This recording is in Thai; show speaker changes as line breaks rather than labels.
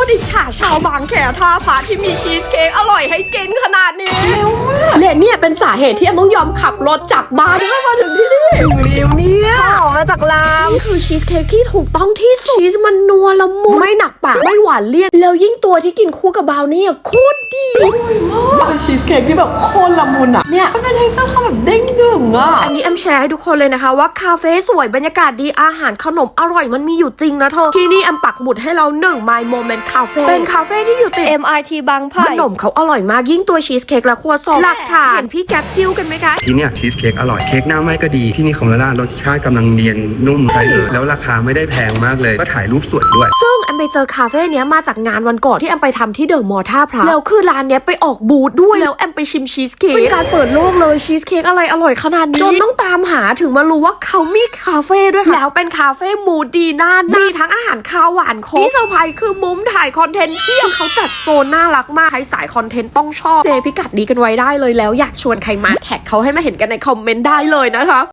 อิจฉาชาวบางแคท่าพระที่มีชีสเค้กอร่อยให้กินขนาดนี้และเนี่ยเป็นสาเหตุที่แอมต้องยอมขับรถจากบ้านเพื่อมาถึงที่นี่ริวเนี่ยออกมาจากร้านนี่คือชีสเค้กที่ถูกต้องที่สุดชีสมันนัวละมุนไม่หนักปากไม่หวานเลี่ยนแล้วยิ่งตัวที่กินคู่กับบราวนี่โคตรดีเป็นชีสเค้กที่แบบโคตรละมุนอ่ะเนี่ยมันเป็นเท็กเจอร์ความแบบเด้งดึงอ่ะอันนี้แอมแชร์ให้ทุกคนเลยนะคะว่าคาเฟ่สวยบรรยากาศดีอาหารขนมอร่อยมันมีอยู่จริงนะเธอที่นี่แอมปักหมุดให้เรา1 My Moment Cafe เป็นคาเฟ่ที่อยู่ติด MRT บางไผ่ขนมเขาอร่อยมากยิ่งตัวชีสเค้กและครัวซองหลักฐานพี่แก๊ปพิ้วกันไหมคะ
ที่เนี่ยชีสเค้กอร่อยเค้กหน้าไหม้ก็ดีที่นี่ของลาล่ารสชาติกำลังเนียนนุ่มใช่เลยแล้วราคาไม่ได้แพงมากเลยก็ถ่ายรูปสวยด้วย
ซึ่งแอมไปเจอคาเฟ่เนี้ยมาจากงานวันก่อนที่แอมไปทำที่เดอะมอลล์ท่าพระแล้วคือร้านเนี้ยไปออกบูธด้วยแล้วแอมไปชิมชีสเค้กเป็นการเปิดโลกเลยชีสเค้กอะไรอร่อยขนาดนี้จนต้องตามหาถึงมารู้ว่าเขามีคาเฟ่ด้วยค่ะแล้วเป็นคาเฟ่มูดดีน่ามีทั้งอาหารคาวหวานครบที่เซอร์ไพรส์คือมุมถ่ายคอนเทนต์เพียบเขาจัดโซนน่ารักมากใครสายคอนเทนต์ต้องชอบเจพิกัดดีกันไว้ได้เลยแล้วอยากชวนใครมาแท็กเขาให้มาเห็นกันในคอมเมนต์ได้เลยนะคะ